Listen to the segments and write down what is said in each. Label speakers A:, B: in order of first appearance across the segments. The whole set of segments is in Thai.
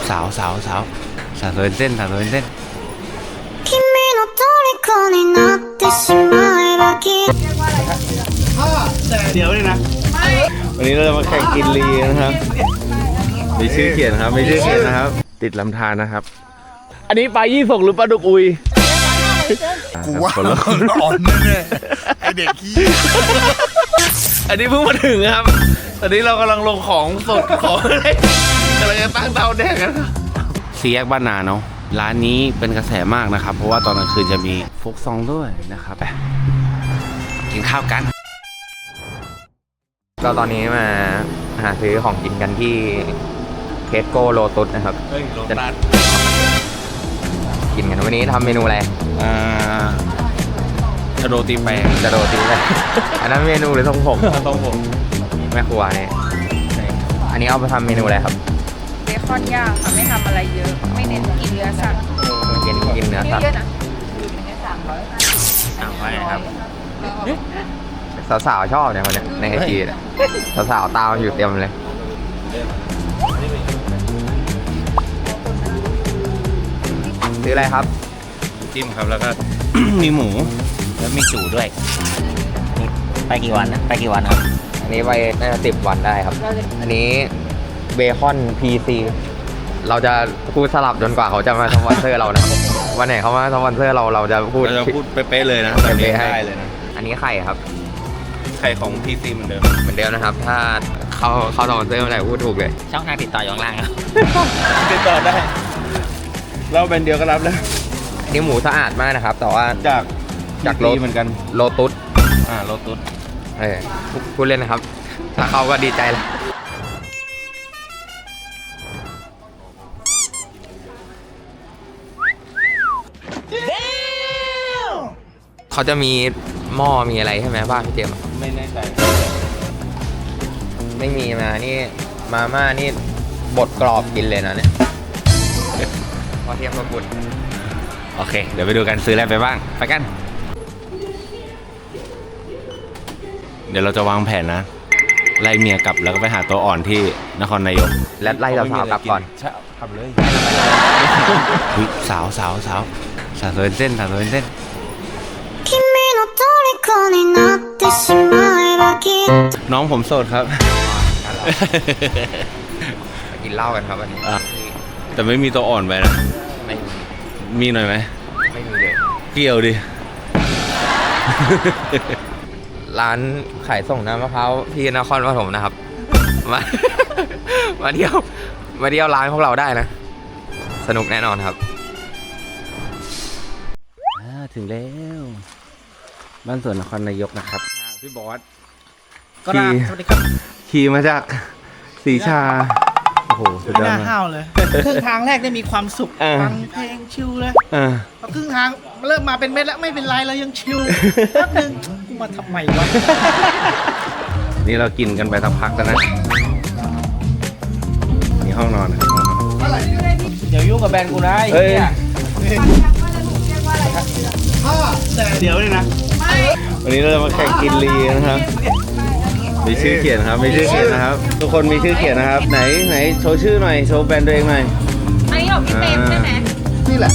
A: สาวสาวสาวสาวเส้นสาวเส้นเดี๋ยวเลยนะวันนี้เราจะมาแข่งกินลีนะครับมีชื่อเขียนครับมีชื่อเขียนนะครับติดลำธารนะครับอันนี้ปลายี่สกหรือปลาดุกอุย
B: กูว่าอ่อนแน่ไอเด็กขี้
A: อันนี้เพิ่งมาถึงครับตอนนี้เรากำลังลงของสดของอะไรกำลังจะตั้งเตาแดงกันสี่แยกบ้านนาเนาะร้านนี้เป็นกระแสมากนะครับเพราะว่าตอนกลางคืนจะมีโฟกซองด้วยนะครับไปกินข้าวกัน
C: ก็ตอนนี้มาหาซื้อของกินกันที่เคสโก้โลตุสนะครับจะกินกันวันนี้ทำเมนูอะไร
A: จะโรตีแป้ง
C: จะโรตีแป้งอันนั้นเมนูหรือทรงผม
A: ทรงผม
C: แม่ครัวนี่อันนี้เอาไปทำเมนูอะไรครับ
D: เบคอนย่างค่ะไม่ทำอะไรเยอะไม่เน้นกินเนื้อสัตว์
C: กินเนื้อสัตว์
D: เยอะๆนะ
A: ไปครับ
C: สาวๆชอบเนี่ยคนนี้ในไอจีสาวๆตามอยู่เต็มเลยซื้ออะไรครับ
A: จิ้มครับแล้วก็ มีหมูแล้วมีจูด้วยไปกี่วันนะไปกี่วันครับ
C: อันนี้ไปน่าจะ10 วันได้ครับอันนี้เบคอน PC เราจะพูดสลับจนกว่าเขาจะมาสปอนเซอร์เรานะวันไหนเขามาสปอนเซอร์เราจะพูด
A: เป๊ะๆเลยนะเป๊ะๆให้เลยนะ
C: อันนี้ไข่ครับ
A: ไข่ของ PC เหมือนเดิ
C: มนะครับถ้าเขาสปอนเซอร์เมื่อไหร่พูดถูกเลย
A: ช่องทางติดต่ออยู่ข้างล่างครับติดต่อได้เราเป็นเดียวก็รับแล้ว
C: นี่หมูสะอาดมากนะครับแต่ว่าจากโล
A: เหมือนกัน
C: โลตุส
A: โลตุส
C: พูดเล่นนะครับถ้าเขาก็ดีใจแล้วเขาจะมีหม้อมีอะไรใช่ไหมบ้านพี่เจมส์
A: ไม่แน่ใจ
C: ไม่มีมานี่มาม่านี่บดกรอบกินเลยนะเนี่ยพอเทียมกับบุญ
A: โอเคเดี๋ยวไปดูกันซื้ออะไรไปบ้างไปกันเดี๋ยวเราจะวางแผนนะไล่เมียกลับแล้วก็ไปหาตัวอ่อนที่นครนายก
C: และไล่สาวๆกลับก่อน
A: ใช่ทำเลยสาวเส้นน้องผมโสดครับ
C: กินเหล้ากันครับวันนี้
A: แต่ไม่มีตัวอ่อนไปนะ
C: ไม่
A: มีหน่อยไหม
C: ไม่มีเลย
A: เกี่ยวดิ
C: ร้านขายส่งน้ำมะพร้าวที่นครปฐมนะครับมาเที่ยวร้านพวกเราได้นะสนุกแน่นอนครับ
A: ถึงแล้วบ้านสวนนครนายกนะครับพี่บอส
E: ก็ได้สวัสดีครับ
A: ขี่มาจากศรีชาโอ้โห
E: ไม่น่าห้าวเลยครึ่งทางแรกได้มีความสุขฟังเพลงชิลเลยพอครึ่งทางเริ่มมาเป็นเม็ดแล้วไม่เป็นไรเรายังชิลแป๊บนึงกูมาทำไมวะ
A: นี่เรากินกันไปสักพักแล้วนะนี่ห้องนอนครับ
E: เดี๋ยวยุ่งกับแบรนด์กูได้
A: เดี๋ยวเลยนะวันนี้เราจะมาแข่งกินลีนะครับมีชื่อเขียนครับมีชื่อเขียนนะครับทุกคนมีชื่อเขียนนะครับไหนโชว์ชื่อหน่อยโชว์แบรนด์ตัวเองหน่อย
D: อันนี้ของพี่เต็มใช่ไหม
B: นี่แหละ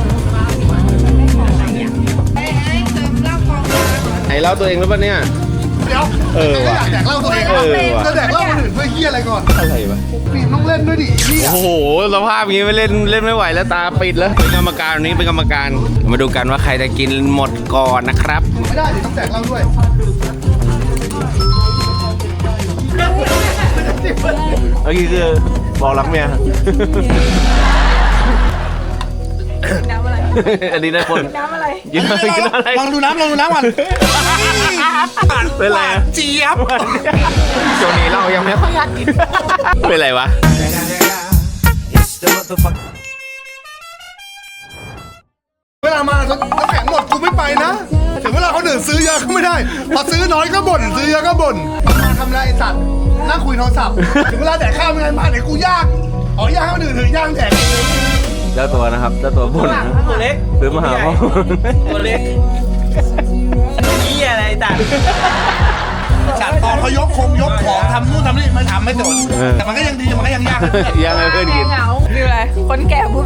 A: ไหนเล่าตัวเองหรือเปล่าเนี่ย
B: เดี๋ยวว่ะแดกเล่าตัวเองจะแดกเล่าคนอื่นเพื่อเฮียอะไรก่อน
A: อะไรวะ
B: ปีมต้องเล่นด้วยดิ
A: โอ้โหสภาพอย่างนี้ไม่เล่นไม่ไหวแล้วตาปิดแล้วเป็นกรรมการวันนี้เป็นกรรมการมาดูกันว่าใครจะกินหมดก่อนนะครับ
B: ไม่ได้ดิต้องแดกเล่าด้วย
A: เมื่อกี้คือบอกรักเมีย
D: น้ำอะไร
A: อันนี้ได้คน
D: น้ำอะไร
A: กินอะไร
B: ลองดูน้ำก่อน
A: เป็นไร
B: เจี๊ยบ
C: ช่วงนี้เรายังไม่ค่อยอยากกิน
A: เป็นไรวะ
B: เวลามาน้ำแข็งหมดกูไม่ไปนะถึงเวลาเขาดื่มซื้อเยอะก็ไม่ได้พอซื้อน้อยก็บ่นซื้อเยอะก็บ่นมาทำไรไอ้สัตว์นั่งคุยโทรศัพท์ถึงเวลาแดกข้าวไม่ไงมาไหนกูย่างย่างให้คนอื่นถือย่างแดก
A: เจ้าตัวนะครับเจ้าตัวบ่น
E: ตัวเล็ก
A: ซื้อมาหาพ่อ
E: ตัวเล็กนี่อะไรต่าง
B: จัดตอนเขายกของทำนู่นทำนี่ไม่ทำไม่สนแต่มันก็ยังดีมันก็ยังยาก
A: ยังไงเพื่อนกิน
D: นี่อะไร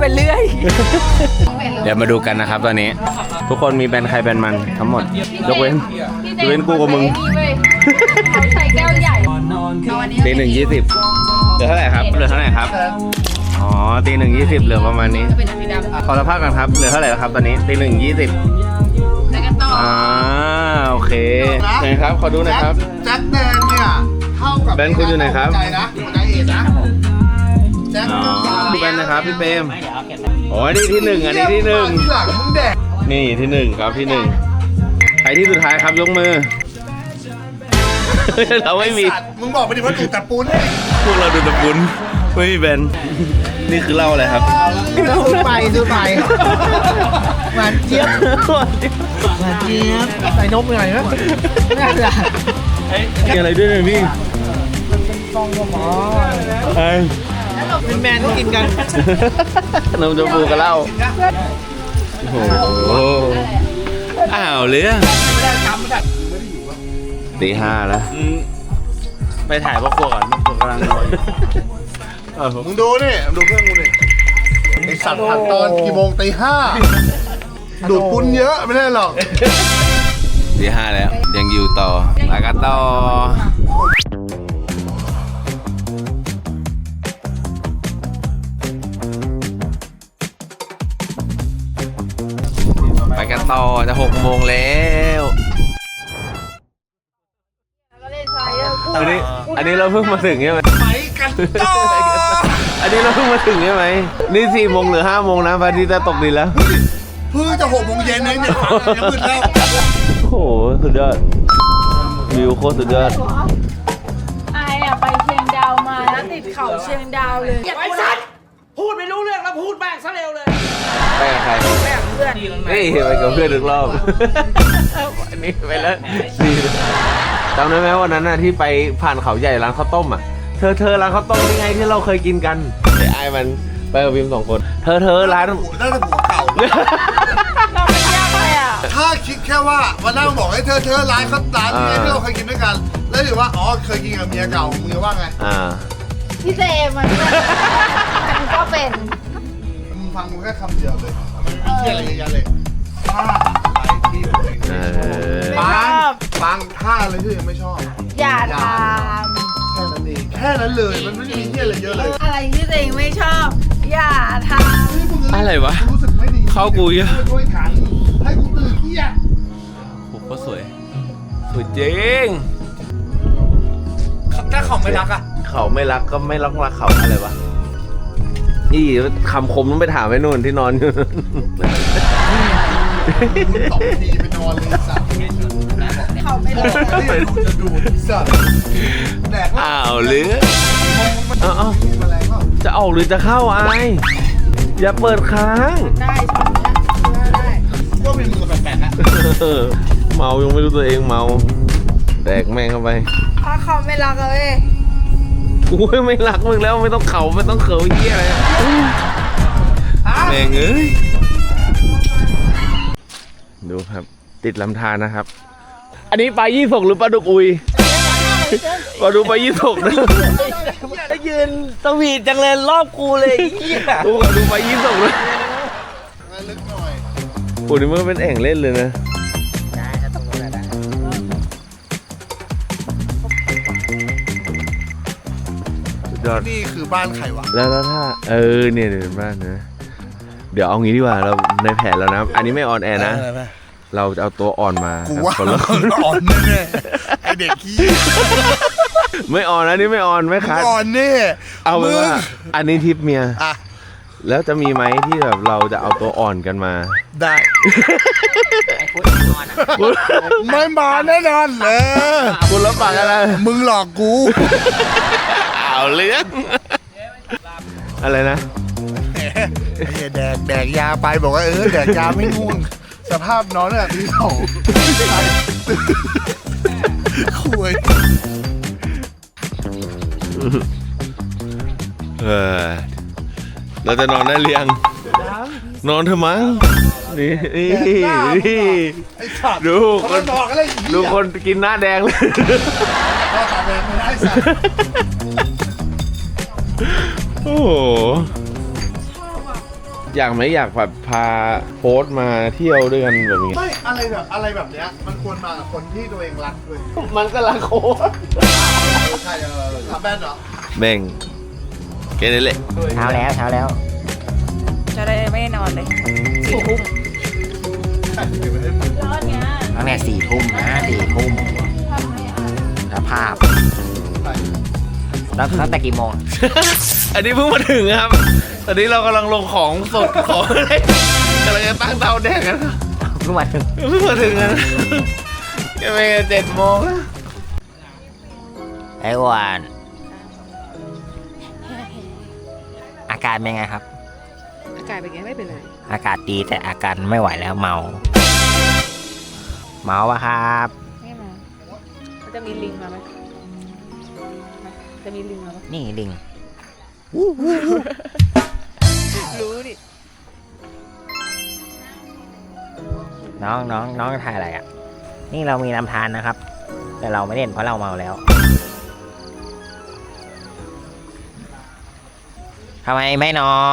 D: เรื่อย
A: เดี๋ยวมาดูกันนะครับตอนนี้ ทุกคนมีแบรนด์ใครแบรนด์มันทั้งหมดยกเว้นกูกับมึง
D: เขาใส่แก้วใหญ่
A: ตีหนึ่ง20เหลือเท่าไหร่ครับเหลือเท่าไหร่ครับอ๋อตีหนึ่ง20เหลือประมาณนี้ขอสภาพกันครับเหลือเท่าไหร่แล้วครับตอนนี้ตีหนึ่ง20
D: แล้วกันต่อ
A: โอเคไหนครับขอดูหน่อยครับ
B: แจ็คแดงเนี่ยเท่ากับ
A: แบนคุณอยู่ไหนครับ
B: ใจนะใจเอ็ดนะแจ็ค
A: อ๋อพี่แบนนะครับพี่เปรมโอ้ยนี่ที่หนึ่งอันนี้ที่หนึ่ง
B: ที่หลังมึงแดก
A: นี่ที่หนึ่งครับที่หนึ่งใครที่สุดท้ายครับยกมือ เราไม่มี
B: สัตว์มึงบอกไปดิว่าดูแต่ปูน
A: พวกเราดูตะปุนไม่มีแบนนี่คือเหล้าอะไรครับ
E: ดูไปหวานเจี๊ยบหวานเจี๊ยบใส่นมหน่อยนะไม่ได้
A: มีอะไรด้วยเนี่ยพี่
E: ฟองก็หมอ
A: ไอ้
E: เป็นแมนที่กินกัน
A: นมชมพูกับเหล้าโอ้โหอ้าวเลยตีห้าแล้วไปถ่ายพ่อครัวก่อนพ่อครัวกำลังนอน
B: มึงดูนี่ดูเพื่อนกูนี่ไอสัตว์ผัดตอนกี่โมงตี 5ดูดปุ้นเยอะไม่ได้หรอก
A: ตีห้าแล้วยังอยู่ต่อแล้วก็ต่อไปกันต่อจะ6 โมงแล้วอันนี้เราเพิ่งมาถึงใช่ไหม
B: ไปกันต่อ
A: อันนี้เราเพิ่งมาถึงใช่ไหมนี่4 โมงหรือ5 โมงนะพระอาทิตย์จะตกดินแล้ว
B: เพิ่งจะ6 โมงเย็นเองเนี่ยยังมืดแล้ว
A: โอ้โหสุดยอดวิวโคตรสุดยอด
D: ไอ้อะไปเชียงดาวมาแล้วติดเขาเชียงดาวเลย
E: ไอ้สัตว์พูดไม่รู้เรื่องแล้วพูดแม่งซะเร็วเลย
A: ไปกับใคร
D: แม่เพื่อน
A: นี่ไปกับเพื่อนทุกรอบอันนี้ไปแล้วดีเลยจำได้ไหมวันนั้นน่ะที่ไปผ่านเขาใหญ่ร้านข้าวต้มอ่ะเธอร้านข้าวต้มนี่ไงที่เราเคยกินกันไอ้มันไปกับพิม2 คนเธอร้าน
B: น่าจะหัวเก่า
D: เราไม่ยากเลยอ่ะ
B: ถ้าคิดแค่ว่าวันนั้นบอกให้เธอร้านเขาร้านนี้ไงที่เราเคยกินด้วยกัน แล้วถือว่าอ๋อเคยกินกับเมียเก่ามึงจะว่าไง
D: พี่เจมันก็เป็น
B: มึงฟังมึงแค่คำเดียวเลยมันมีเที่ยอะไรเยอะแยะเลยท่าอะไรที่ตัวเอง
D: ไม่ชอบ
B: บางท่าเลยที่ยังไม่ชอบ
D: อย่าท
B: แค่นั้นเองแค่นั้นเลยมันไม่ได้มีเที่ยอะไรเยอะเลย
D: ำอะไรที่ตัวเองไม่ชอบ อย่าท
A: อะไรวะ
B: รู้สึกไม่ดี
A: เข้ากูเยอะ
B: ด้วยกันให้กูตื่นเที่ย
A: โอ้โหสวยสวยจริง
E: ถ้าเขาไม่รักอ่ะ
A: เขาไม่รักก็ไม่รักเขาอะไรวะนี่คำคมต้องไปถามไอ้นู่นที่นอนอยู่
B: มึง2 ทีไปนอนเลยสัตว์
D: ำเขาไม่รัก
B: นี่ดูจะดูดสัตว์แดกแล้ว
A: อ้าวหรือ
B: เอา
A: เอา
B: แมลงเปล่า
A: จะออกหรือจะเข้าไออย่าเปิดค้าง
D: ได้ช็อตนี้ได้
B: ว่าเป็นมือแปลกๆนะ
A: เมายังไม่รู้ตัวเองเมาแดกแม่งเข้าไป
D: เพราะเขาไม่รักเลย
A: กูไม่รักมึงแล้วไม่ต้องเขาไม่ต้องเขินเหี้ยอะไรอะแม่งเอ้ยดูครับติดลำธารนะครับ อันนี้ปลายี่สกหรือปลาดุกอุยปลาดุกปลายี่สกนะ
E: ยืนสวีทจังเลยรอบกูเลยเหี้ย
A: กูขอดูปลายี่สกนะ
B: งั้นลึกหน่อย
A: โอ้นี่มันเป็นแอ่งเล่นเลยนะ
E: ได้ถ้าตรงนั้นได้
A: สุดยอด
B: นี่คือบ้านใครวะ
A: แล้วถ้าเนี่ยเดี๋ยวบ้านนะเดี๋ยวเอางี้ดีกว่าเราในแผนแล้วนะ อันนี้ไม่ออนแอร์นะ เราจะเอาตัวอ่อนมา
B: กูว่า
A: คนละคน
B: อ่อนแน่ๆไอเด็กขี้
A: ไม่ออนนะนี่ไม่ออนไม่คัด
B: อ่อนแน่
A: เอาเป็นว่าอันนี้ทิปเมีย
B: อ่ะ
A: แล้วจะมีไหมที่แบบเราจะเอาตัวอ่อนกันมา
B: ได้ ไม่มาแน่นอนเลย
A: คุณรับปากอะไร
B: มึงหลอกกู
A: เอาเรื่องอะไรนะ
B: ไอ้เหี้ยแดกยาไปบอกว่าแดกยาไม่ง่วง สภาพนอนเนี่ยตี 2คุย
A: เราจะนอนได้เรียง นอนเถอะมั้งนี่
B: ไอ้สัตว์
A: ดูค
B: มัน
A: น
B: บอกอะไรอีก
A: ดูคนกินหน้าแดงเลย
B: ก็ตาแดงไม่ได้สัตว์
A: โอ้โหอยากไหมอยากแบบพาโพสต์มาเที่ยวด้วยกันแบบนี้
B: ไม่อะไรแบบเนี้ยมันควรมากับคนที่ตัวเองรักเลย
A: มันก็รักโค้ช
B: ใช่ทำแบนเหรอ
A: แบ่งแค่นี้แหละ
C: เช้าแล้วเช้าแล้ว
D: จะได้ไม่นอนเลย4 ทุ่ม ร้อนเนี้ย
C: ตั้งแต่4 ทุ่มนะ4 ทุ่ม
D: ทำไม่อ่าน
C: สภาพแล้วตั้งแต่กี่โมง
A: อันนี้เพิ่งมาถึงครับ ตอนนี้เรากำลังลงของสดของอะไรกำลังจะตั้งเตาแดกกันครับ
C: เพิ่งมาถึง
A: เพิ่งมาถึงนะยังไม่7 โมงนะ
C: ไอ้วานอาการเป็นไงครับ
D: อากาศเป็นไงไม่เป็นไร
C: อากาศดีแต่อาการไม่ไหวแล้วเมาปะครับ
D: ไม่มามันจะมีลิงมาไหมจะมีลิงมาปะ
C: นี่ลิง
D: รู้ดิ
C: น้องถ่ายอะไรอ่ะ นี่เรามีลำธารนะครับ แต่เราไม่เล่นเพราะเราเมาแล้วทำไมไม่นอน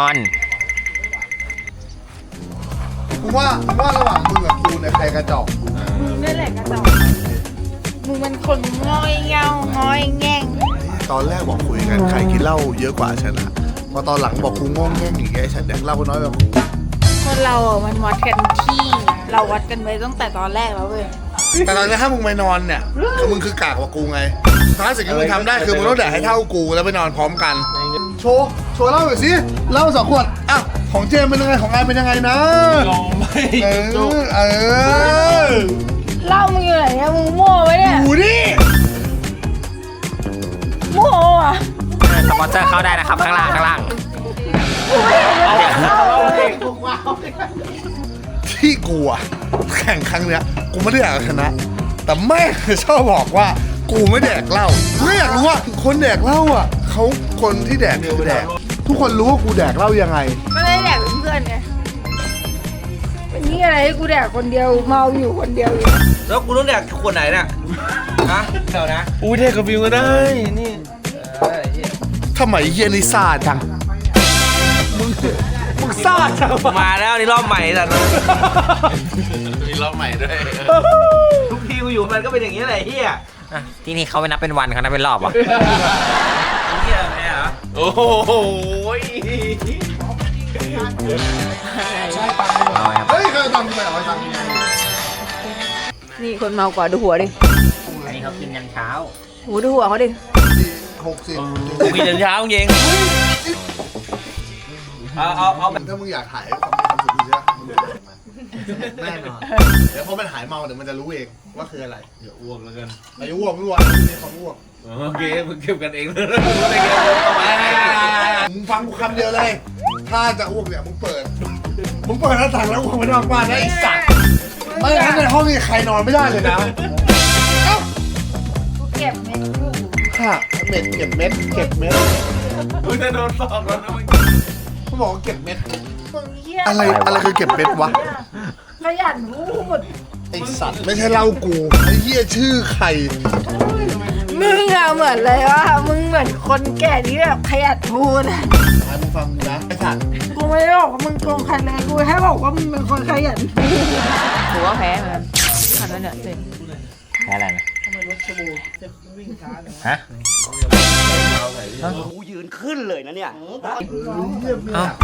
B: กูว่าระหว่างมึงกับกูเนี่ยใครกระจอก
D: มึงนี่แหละกระจอกมึงมันคนง้อยเงาง้อยแง่ง
B: ตอนแรกบอกคุยกันใครกินเหล้าเยอะกว่าฉันอะพอตอนหลังบอกกูงงแง่งอย่างเงี้ยฉันแดกเหล้าก็น้อยกว่ากู
D: คนเราอ่ะมันวัดกันที่เราวัดกันไว้ตั้งแต่ตอนแรกแล้วเว้ย
B: แต่ตอนนี้ถ้ามึงไปนอนเนี่ยคือมึงคือกากกว่ากูไงท้ายสิ่งที่มึงทำได้คือมึงต้องแดกให้เท่ากูแล้วไปนอนพร้อมกัน โชว์เหล้าหน่อยสิเหล้า2 ขวดอ่ะของเจมเป็นยังไงของไอเป็นยังไงนะ
A: ลองไม่
B: เออ
D: เหล่ามึงอยู่ไหนเนี่ยมึงมั่วไว้เนี่ย
B: ดูดิ
D: มั่วอ่ะ
C: สปอนเซอร์เข้าได้นะครับข้างล่าง
B: ที่กูอะแข่งครั้งเนี้ยกูไม่ได้อยากชนะ แต่แม่งชอบบอกว่ากูไม่แดกเหล้าไม่อยากรู้ว่าคนแดกเหล้าอ่ะเขาคนที่แดกคือแดก ทุกคนรู้ว่ากูแดกเหล้ายังไง
D: ไม่ได้แดกเป็นเพื่อนไงวันนี้อะไรให้กูแดกคนเดียวเมาอยู่คนเดียวอยู่
F: แล้วกูต้องแดกขวดไหนเนี่ยฮะเดี๋ยวนะ
A: อุ้ยเทกับวิวก็ได้ นี่
B: ทำไมเฮียนี่ซ่าจัง มึงซ่าจังวะ
F: มาแล้วนี่รอบใหม่แต่
A: มีรอบใหม่ด้วย
F: ทุกทีกูอยู่มันก็เป็นอย่างนี้แหละเฮีย
C: ที่นี่เขาไม่นับเป็นวันเขานับเป็นรอบวะ
F: เฮียแม่เหรอ
A: โอ้โห
C: เอาไงครับ
B: เฮ้ยเคยทำไปเหรอทำ
D: นี่คนเมากว่าดูหัวดิ
C: อันนี้เขากินยันเช้า
D: หูดูหัวเขาดิ
B: 60
F: กูมีแต่เช้าเองเอาแบบ
B: ถ้ามึงอยากถ่ายความสุขดีใช่ไหมมึงเดินมาแน่นอนเดี๋ยวพอมันหายเมาเดี๋ยวมันจะรู้เองว่าคืออะไร
A: อย่าอ้วกแล้วกัน
B: ไม่อ้วกไม่อ้วกมีความอ้วก
A: โอเคมึงเก็บกันเองเลยไม่เก็บทำไม
B: มึงฟังกูคำเดียวเลย ถ้าจะอ้วกเนี่ยมึงเปิดหน้าต่างแล้วอ้วกไม่นอกบ้านนะไอ้สัตว์ไม่งั้นในห้องนี้ใครนอนไม่ได้เลยนะ
D: กูเก็บเม็ดกู
B: ค่ะเม็ดเก็บเม็ด
A: มึงจะโดนสอบแล้วนะมึง
B: เขาบอกว่าเก็บเม็ด
D: มึงเหี้ย
B: อะไรคือเก็บเม็ดวะ
D: ขยันพูด
B: ไอสัตว์ไม่ใช่เล่ากูไอ้เหี้ยชื่อใคร
D: มึงอะเหมือนเลยว่ามึงเหมือนคนแก่ที่แบบขยันพูดอะ
B: ไอ้มึงฟังกูนะไอ้สัตว์
D: กูไม่ได้บอกว่ามึงโกงใครเลยกูแค่บอกว่ามึงเป็นคนขยันพูดถือว่าแพ้เหมือนกันขันแล้วเนี่ยเต็ม
C: แค่อะไรนะฮะ
F: กูยืนขึ้นเลยนะเนี่ย
C: เอ้า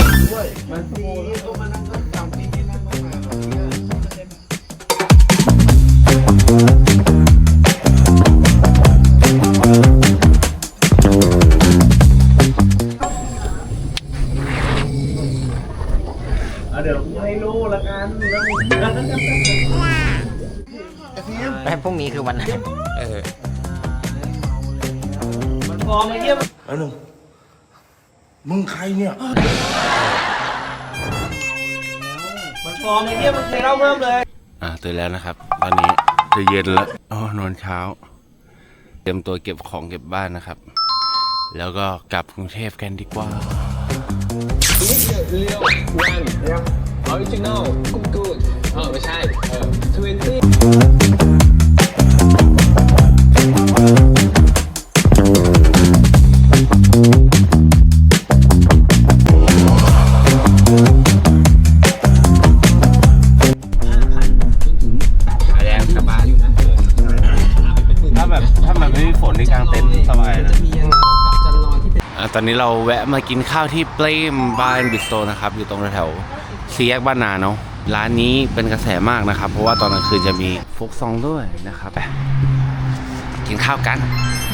A: เดี๋ยวกูให้รู้ละกัน
B: ไอ้ทีม
C: แล้วพรุ่งนี้คือวันไหนเออ
F: มันฟอร์มไอ้เฮีย
B: มึงใครเนี่ย
F: มันฟอร์มไอ้เฮียมันเคยเล่าเพิ่มเลย
A: ตื่นแล้วนะครับ ตอนนี้จะเย็นแล้วนอนเช้า เตรียมตัวเก็บของเก็บบ้านนะครับ แล้วก็กลับกรุงเทพกันดีกว่า
G: Original good ไม่ใช่20
A: ตอนนี้เราแวะมากินข้าวที่เปรมบาร์บิสโตนะครับอยู่ตรงแถวสี่แยกบ้านนาเนาะร้านนี้เป็นกระแสมากนะครับเพราะว่าตอนกลางคืนจะมีโฟกซองด้วยนะครับกินข้าวกัน